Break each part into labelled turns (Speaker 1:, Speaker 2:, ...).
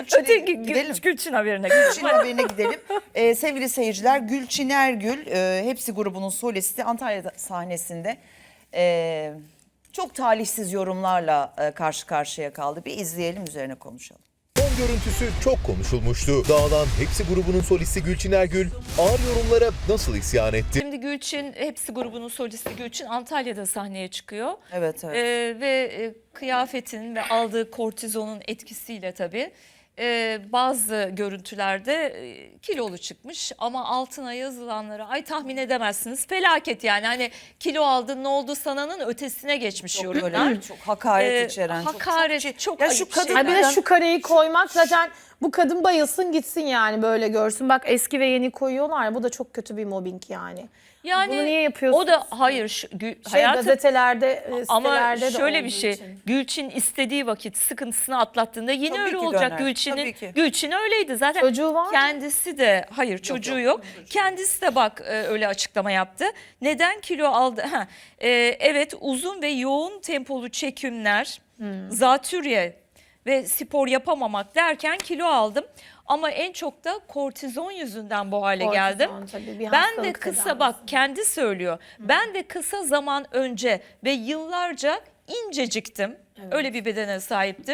Speaker 1: Gülçin'e
Speaker 2: Öteki
Speaker 1: gidelim.
Speaker 2: Gülçin haberine
Speaker 1: Gülçin haberine gidelim. Sevgili seyirciler, Gülçin Ergül, Hepsi grubunun solisti, Antalya sahnesinde çok talihsiz yorumlarla karşı karşıya kaldı. Bir izleyelim, üzerine konuşalım.
Speaker 3: Son görüntüsü çok konuşulmuştu. Dağılan Hepsi grubunun solisti Gülçin Ergül ağır yorumlara nasıl isyan etti?
Speaker 2: Şimdi Gülçin, Hepsi grubunun solisti Gülçin Antalya'da sahneye çıkıyor.
Speaker 1: Evet.
Speaker 2: Ve kıyafetin ve aldığı kortizonun etkisiyle tabii bazı görüntülerde kilolu çıkmış ama altına yazılanları ay tahmin edemezsiniz, felaket yani, hani kilo aldın ne oldu sananın ötesine geçmiş
Speaker 1: Çok
Speaker 2: yorumlar.
Speaker 1: böyle çok hakaret içeren.
Speaker 2: Hakaret çok
Speaker 1: Ya
Speaker 2: ayıp
Speaker 1: şu
Speaker 2: bir şey.
Speaker 1: kadın-
Speaker 4: Bir de şu kareyi koymak zaten, bu kadın bayılsın gitsin yani, böyle görsün. Bak eski ve yeni koyuyorlar ya, bu da çok kötü bir mobbing yani.
Speaker 2: Yani
Speaker 4: Bunu niye yapıyorsunuz?
Speaker 2: o da hayır hayatım,
Speaker 4: Gazetelerde,
Speaker 2: ama
Speaker 4: sitelerde de
Speaker 2: şöyle bir
Speaker 4: olduğu
Speaker 2: şey,
Speaker 4: için.
Speaker 2: Gülçin istediği vakit sıkıntısını atlattığında yine
Speaker 1: Tabii
Speaker 2: öyle
Speaker 1: ki
Speaker 2: olacak
Speaker 1: döner,
Speaker 2: Gülçin'in.
Speaker 1: tabii ki.
Speaker 2: Gülçin öyleydi zaten.
Speaker 4: Çocuğu var mı?
Speaker 2: Kendisi de hayır çocuğu yok. Kendisi de bak öyle açıklama yaptı. Neden kilo aldı? Evet, uzun ve yoğun tempolu çekimler, zatürre ve spor yapamamak derken kilo aldım. Ama en çok da kortizon yüzünden bu hale
Speaker 4: Kortizon
Speaker 2: geldim.
Speaker 4: tabii bir
Speaker 2: Ben de
Speaker 4: hastalık
Speaker 2: kısa
Speaker 4: tedavisi.
Speaker 2: bak kendi söylüyor. Ben de kısa zaman önce ve yıllarca inceciktim. Öyle bir bedene sahiptim.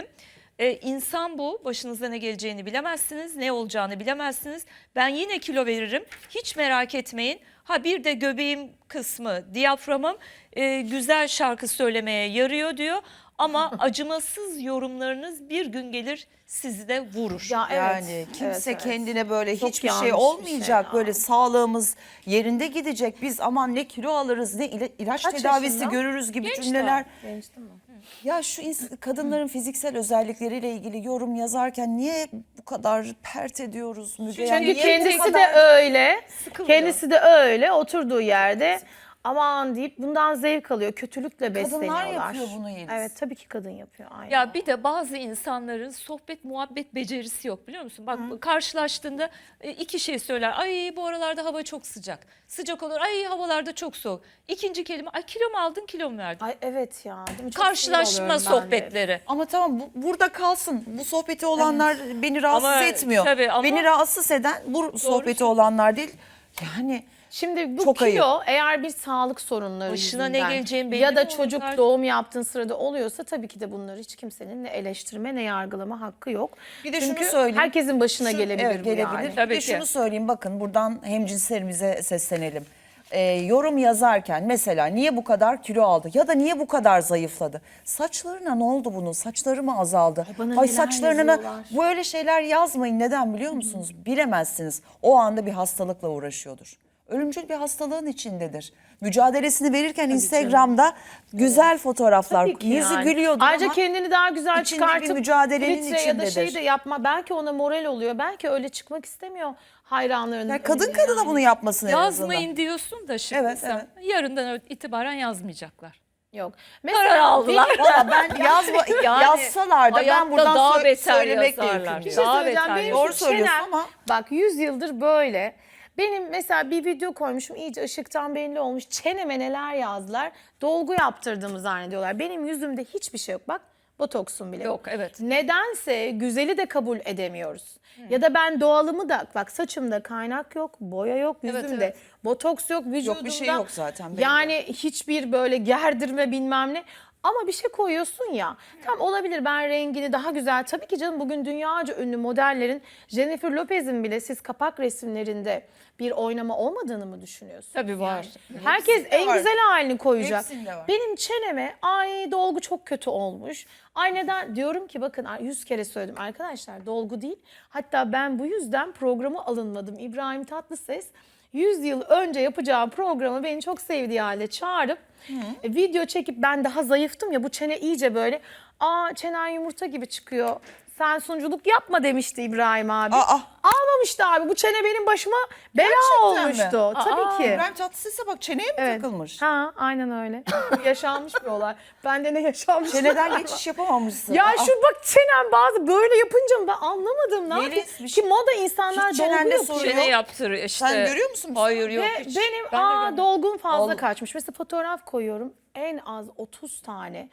Speaker 2: İnsan bu. Başınıza ne geleceğini bilemezsiniz. Ne olacağını bilemezsiniz. Ben yine kilo veririm. Hiç merak etmeyin. Ha bir de göbeğim kısmı, diyaframım güzel şarkı söylemeye yarıyor diyor. Ama acımasız yorumlarınız bir gün gelir sizi de vurur.
Speaker 4: Ya evet,
Speaker 1: Yani kimse
Speaker 4: evet.
Speaker 1: kendine böyle
Speaker 4: Çok
Speaker 1: hiçbir
Speaker 4: yanlış
Speaker 1: şey
Speaker 4: bir
Speaker 1: olmayacak,
Speaker 4: şey ya.
Speaker 1: böyle sağlığımız yerinde gidecek. Biz aman ne kilo alırız, ne ilaç
Speaker 4: Kaç
Speaker 1: tedavisi
Speaker 4: yaşında?
Speaker 1: görürüz gibi
Speaker 2: Genç
Speaker 1: cümleler.
Speaker 4: Genç değil mi?
Speaker 1: Ya şu kadınların fiziksel özellikleriyle ilgili yorum yazarken niye bu kadar pert ediyoruz Müge? Yani
Speaker 4: Çünkü
Speaker 1: niye bu
Speaker 4: kendisi
Speaker 1: kadar-
Speaker 4: de öyle.
Speaker 2: Sıkılıyor.
Speaker 4: Kendisi de öyle oturduğu yerde aman deyip bundan zevk alıyor. Kötülükle besleniyorlar.
Speaker 1: yapıyor bunu Yeliz.
Speaker 4: Evet, tabii ki kadın yapıyor. Aynen.
Speaker 2: Ya bir de bazı insanların sohbet muhabbet becerisi yok, biliyor musun? Bak karşılaştığında iki şey söyler. Ay bu aralarda hava çok sıcak. Sıcak olur. Ay havalarda çok soğuk. İkinci kelime ay kilo mu aldın, kilo mu verdin?
Speaker 4: Ay evet ya. Değil mi? Çok sinir
Speaker 2: Karşılaşma
Speaker 4: oluyorum ben de.
Speaker 2: sohbetleri.
Speaker 1: Ama tamam, burada kalsın. Bu sohbeti olanlar beni rahatsız
Speaker 2: Ama
Speaker 1: etmiyor.
Speaker 2: tabii, ama-
Speaker 1: Beni rahatsız eden bu sohbeti olanlar değil. Yani
Speaker 4: Şimdi bu
Speaker 1: Çok
Speaker 4: kilo eğer bir sağlık sorunları
Speaker 2: Başına ne
Speaker 4: yüzünden
Speaker 2: geleceğin belli
Speaker 4: ya da
Speaker 2: mi
Speaker 4: çocuk
Speaker 2: olacak?
Speaker 4: doğum yaptığın sırada oluyorsa tabii ki de bunları hiç kimsenin ne eleştirme ne yargılama hakkı yok.
Speaker 1: Bir de
Speaker 4: Çünkü
Speaker 1: şunu söyleyeyim.
Speaker 4: herkesin başına gelebilir
Speaker 1: evet,
Speaker 4: bu yani.
Speaker 1: gelebilir.
Speaker 2: Tabii
Speaker 1: Bir de
Speaker 2: ki.
Speaker 1: şunu söyleyeyim, bakın buradan hemcinslerimize seslenelim. Yorum yazarken mesela niye bu kadar kilo aldı ya da niye bu kadar zayıfladı? Saçlarına ne oldu bunun? Saçları mı azaldı?
Speaker 4: bana neler
Speaker 1: saçlarına
Speaker 4: yazıyorlar.
Speaker 1: böyle şeyler yazmayın. Neden biliyor musunuz? Bilemezsiniz. O anda bir hastalıkla uğraşıyordur. Ölümcül bir hastalığın içindedir. Mücadelesini verirken Instagram'da güzel fotoğraflar,
Speaker 4: Tabii ki
Speaker 1: yüzü
Speaker 4: yani.
Speaker 1: gülüyordu
Speaker 4: Ayrıca
Speaker 1: ama
Speaker 4: kendini daha güzel
Speaker 1: içinde bir
Speaker 4: çıkartıp
Speaker 1: mücadelenin
Speaker 4: filtre ya da şey
Speaker 1: içindedir.
Speaker 4: de yapma. Belki ona moral oluyor. Belki öyle çıkmak istemiyor hayranlarının
Speaker 1: yani kadın
Speaker 4: önüne
Speaker 1: kadına
Speaker 4: yani.
Speaker 1: bunu yapmasın en azından.
Speaker 2: Yazmayın diyorsun da şimdi
Speaker 1: Evet,
Speaker 2: sen yarından itibaren yazmayacaklar.
Speaker 4: Yok.
Speaker 2: Karar aldılar.
Speaker 1: Valla ben
Speaker 2: Yani
Speaker 1: yazsalar da ben
Speaker 2: hayatta
Speaker 1: buradan
Speaker 2: daha beter
Speaker 1: söylemekle
Speaker 2: yazarlar.
Speaker 4: Bir
Speaker 1: yükümlüyüm.
Speaker 4: şey
Speaker 2: Daha
Speaker 4: söyleyeceğim.
Speaker 2: beter
Speaker 4: Benim
Speaker 1: Doğru
Speaker 4: şu
Speaker 1: söylüyorsun
Speaker 4: çenem,
Speaker 1: ama-
Speaker 4: bak 100 yıldır böyle. Benim mesela bir video koymuşum, iyice ışıktan belli olmuş. Çeneme neler yazdılar. Dolgu yaptırdığımı zannediyorlar. Benim yüzümde hiçbir şey yok. Bak botoksum bile
Speaker 2: Yok, evet.
Speaker 4: Nedense güzeli de kabul edemiyoruz. Ya da ben doğalımı da, bak saçımda kaynak yok, boya yok, yüzümde
Speaker 2: evet.
Speaker 4: botoks yok, vücudumda.
Speaker 1: bir şey yok zaten, belli.
Speaker 4: Yani hiçbir böyle gerdirme bilmem ne. Ama bir şey koyuyorsun ya. Tam olabilir, ben rengini daha güzel. Tabii ki canım, bugün dünyaca ünlü modellerin, Jennifer Lopez'in bile siz kapak resimlerinde bir oynama olmadığını mı düşünüyorsun?
Speaker 2: Tabii var.
Speaker 4: Herkes
Speaker 1: Hepsinde
Speaker 4: en
Speaker 1: var.
Speaker 4: güzel halini koyacak.
Speaker 1: Hepsinde var.
Speaker 4: Benim çeneme ay dolgu çok kötü olmuş. Ay neden? Diyorum ki bakın 100 kere söyledim arkadaşlar, dolgu değil. Hatta ben bu yüzden programa alınmadım. İbrahim Tatlıses 100 yıl önce yapacağı programı beni çok sevdiği halde çağırıp video çekip, ben daha zayıftım ya, bu çene iyice böyle çenen yumurta gibi çıkıyor. Sen sunuculuk yapma demişti İbrahim abi. Almamıştı abi. Bu çene benim başıma bela
Speaker 1: Gerçekten mi?
Speaker 4: olmuştu. Tabii ki.
Speaker 1: İbrahim Tatlıses'e bak, çeneye mi
Speaker 4: Evet.
Speaker 1: takılmış?
Speaker 4: Ha, aynen öyle. Yaşanmış bir olay. Bende ne yaşanmış?
Speaker 1: Çeneden geçiş yapamamışsın.
Speaker 4: Ya şu bak çenem bazı böyle yapınca mı ben anlamadım. Ne
Speaker 1: Yeliz,
Speaker 4: yapayım?
Speaker 1: bir şey-
Speaker 4: Ki moda insanlar
Speaker 1: Hiç
Speaker 4: dolgu
Speaker 1: çenende
Speaker 4: yapıyor.
Speaker 1: sorun
Speaker 2: Çene yaptır işte.
Speaker 1: Sen görüyor musun?
Speaker 2: Hayır yok
Speaker 4: Ve
Speaker 2: hiç.
Speaker 4: benim
Speaker 2: Ben de görmedim.
Speaker 4: dolgun fazla
Speaker 1: Ol-
Speaker 4: kaçmış. Mesela fotoğraf koyuyorum. En az 30 tane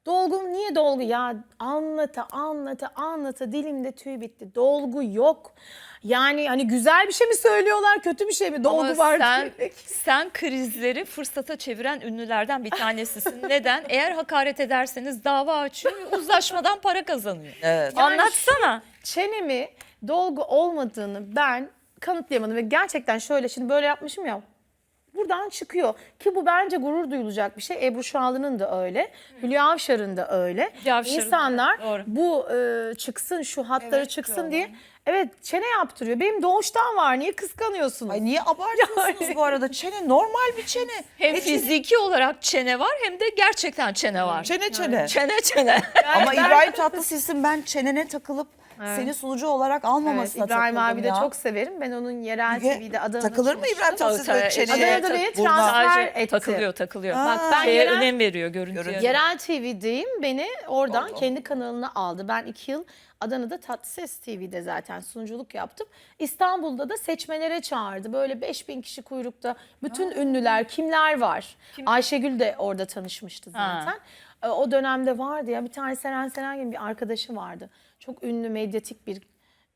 Speaker 4: Dolgum niye dolgu? Ya anlata dilimde tüy bitti. Dolgu yok. Yani hani güzel bir şey mi söylüyorlar, kötü bir şey mi? Dolgu
Speaker 2: Ama
Speaker 4: var.
Speaker 2: sen krizleri fırsata çeviren ünlülerden bir tanesisin. Neden? Eğer hakaret ederseniz dava açıyor ve uzlaşmadan para kazanıyor.
Speaker 1: Evet.
Speaker 4: Yani
Speaker 2: Anlatsana.
Speaker 4: Çenemi dolgu olmadığını ben kanıtlayamadım ve gerçekten şöyle şimdi böyle yapmışım ya. Buradan çıkıyor ki bu bence gurur duyulacak bir şey. Ebru Şallı'nın da öyle, Hülya Avşar'ın da öyle.
Speaker 2: Hülya Avşar'ın da,
Speaker 4: İnsanlar
Speaker 2: doğru.
Speaker 4: bu çıksın, şu hatları
Speaker 1: Evet,
Speaker 4: çıksın
Speaker 1: diyorlar.
Speaker 4: diye. Evet, çene yaptırıyor. Benim doğuştan var. Niye kıskanıyorsunuz?
Speaker 1: Ay niye abartıyorsunuz bu arada? Çene normal bir çene.
Speaker 2: Hem
Speaker 1: Ne çene?
Speaker 2: fiziki olarak çene var hem de gerçekten çene var.
Speaker 1: Çene.
Speaker 2: Çene.
Speaker 1: Ama
Speaker 4: ben-
Speaker 1: İbrahim Tatlıses'in ben çenene takılıp seni sunucu olarak
Speaker 4: Evet,
Speaker 1: almamasına
Speaker 4: İbrahim
Speaker 1: takıldım
Speaker 4: abi de
Speaker 1: ya.
Speaker 4: çok severim. Ben onun yerel TV'de Adana'da
Speaker 1: Takılır mı İbrahim
Speaker 2: Tabii,
Speaker 1: Tatlıses böyle
Speaker 2: tabii.
Speaker 1: çeneye?
Speaker 4: Adana'da beni
Speaker 1: buruna?
Speaker 4: transfer
Speaker 2: Sadece
Speaker 4: etti.
Speaker 2: takılıyor.
Speaker 4: Bak ben
Speaker 2: Şeye
Speaker 4: yerel,
Speaker 2: önem veriyor görüntüye.
Speaker 4: yerel TV'deyim. Beni oradan kendi kanalına aldı. Ben 2 yıl Adana'da Tatlıses TV'de zaten sunuculuk yaptım. İstanbul'da da seçmelere çağırdı. Böyle 5000 kişi kuyrukta. Bütün ünlüler kimler var? Ayşegül de orada tanışmıştı zaten. O dönemde vardı ya bir tane Seren Seren gibi bir arkadaşı vardı. Çok ünlü medyatik bir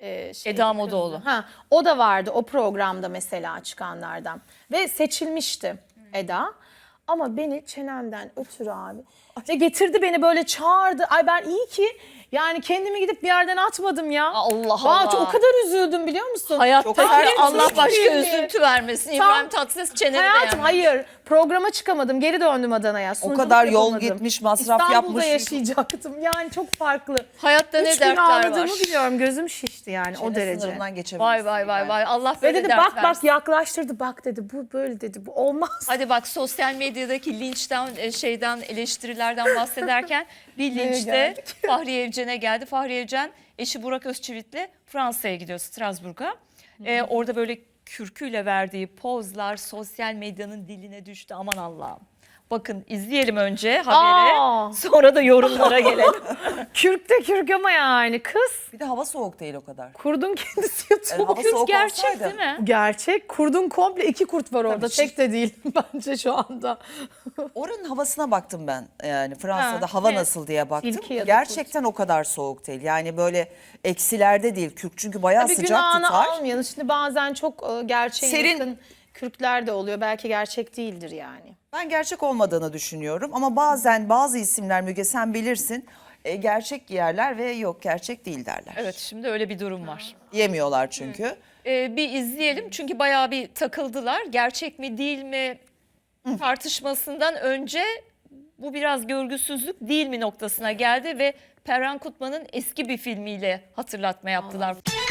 Speaker 2: Eda Modaoğlu.
Speaker 4: Ha, o da vardı o programda mesela çıkanlardan. Ve seçilmişti Eda. Ama beni çenemden ötürü abi. Ve getirdi beni böyle çağırdı. Ay ben iyi ki yani kendimi gidip bir yerden atmadım ya.
Speaker 2: Allah
Speaker 4: Vallahi
Speaker 2: Allah.
Speaker 4: O kadar üzüldüm biliyor musun?
Speaker 2: Hayatta
Speaker 4: Hayır,
Speaker 2: Allah
Speaker 4: çok
Speaker 2: başka
Speaker 4: iyiydi.
Speaker 2: üzüntü vermesin.
Speaker 4: Tam-
Speaker 2: İbrahim Tatlıses çeneni
Speaker 4: Hayatım
Speaker 2: beğenmiş.
Speaker 4: hayır programa çıkamadım geri döndüm Adana'ya.
Speaker 1: O
Speaker 4: Sunuculuk
Speaker 1: kadar yol
Speaker 4: yapamadım.
Speaker 1: gitmiş, masraf
Speaker 4: İstanbul'da
Speaker 1: yapmış.
Speaker 4: yaşayacaktım yani çok farklı.
Speaker 2: Hayatta ne
Speaker 4: 3 gün
Speaker 2: dertler var.
Speaker 4: ağladığımı biliyorum gözüm şişti yani o
Speaker 1: Çene
Speaker 4: derece.
Speaker 1: sınırından geçemezsin.
Speaker 2: Vay. Allah
Speaker 4: Ve
Speaker 2: böyle
Speaker 4: dedi
Speaker 2: dert
Speaker 4: bak
Speaker 2: versin.
Speaker 4: yaklaştırdı bak dedi bu böyle dedi bu olmaz.
Speaker 2: Hadi bak sosyal medyadaki linçten şeyden eleştirilerden bahsederken bir linçte
Speaker 4: geldik?
Speaker 2: Fahriye Evcen'e geldi. Fahriye Evcen eşi Burak Özçivit'le Fransa'ya gidiyor, Strasbourg'a. Orada böyle kürküyle verdiği pozlar sosyal medyanın diline düştü. Aman Allah'ım. Bakın izleyelim önce haberi.
Speaker 4: Aa!
Speaker 2: Sonra da yorumlara gelelim.
Speaker 4: Kürk de kürk ama yani kız.
Speaker 1: Bir de hava soğuk değil o kadar.
Speaker 4: Kurdun kendisi yatıyor.
Speaker 1: Yani hava
Speaker 2: Kürk
Speaker 1: soğuk
Speaker 2: gerçek
Speaker 1: olsaydı.
Speaker 2: değil mi?
Speaker 4: Gerçek. Kurdun komple 2 kurt var orada.
Speaker 1: Tabii,
Speaker 4: Tek de değil bence şu anda.
Speaker 1: Oranın havasına baktım ben. Yani Fransa'da
Speaker 2: Ha,
Speaker 1: hava
Speaker 2: evet.
Speaker 1: nasıl diye baktım.
Speaker 4: Tilki ya da
Speaker 1: Gerçekten o kadar soğuk değil. Yani böyle eksilerde değil. Kürk çünkü bayağı
Speaker 4: Bir
Speaker 1: sıcak
Speaker 4: günahını
Speaker 1: tutar.
Speaker 4: almayalım. Şimdi bazen çok gerçeğe
Speaker 1: Serin.
Speaker 4: yakın kürkler de oluyor. Belki gerçek değildir yani.
Speaker 1: Ben gerçek olmadığını düşünüyorum ama bazen bazı isimler Müge sen bilirsin gerçek giyerler ve yok gerçek değil derler.
Speaker 2: Evet şimdi öyle bir durum var.
Speaker 1: Yemiyorlar çünkü.
Speaker 2: Bir izleyelim çünkü bayağı bir takıldılar. Gerçek mi değil mi tartışmasından önce bu biraz görgüsüzlük değil mi noktasına geldi ve Perran Kutman'ın eski bir filmiyle hatırlatma yaptılar.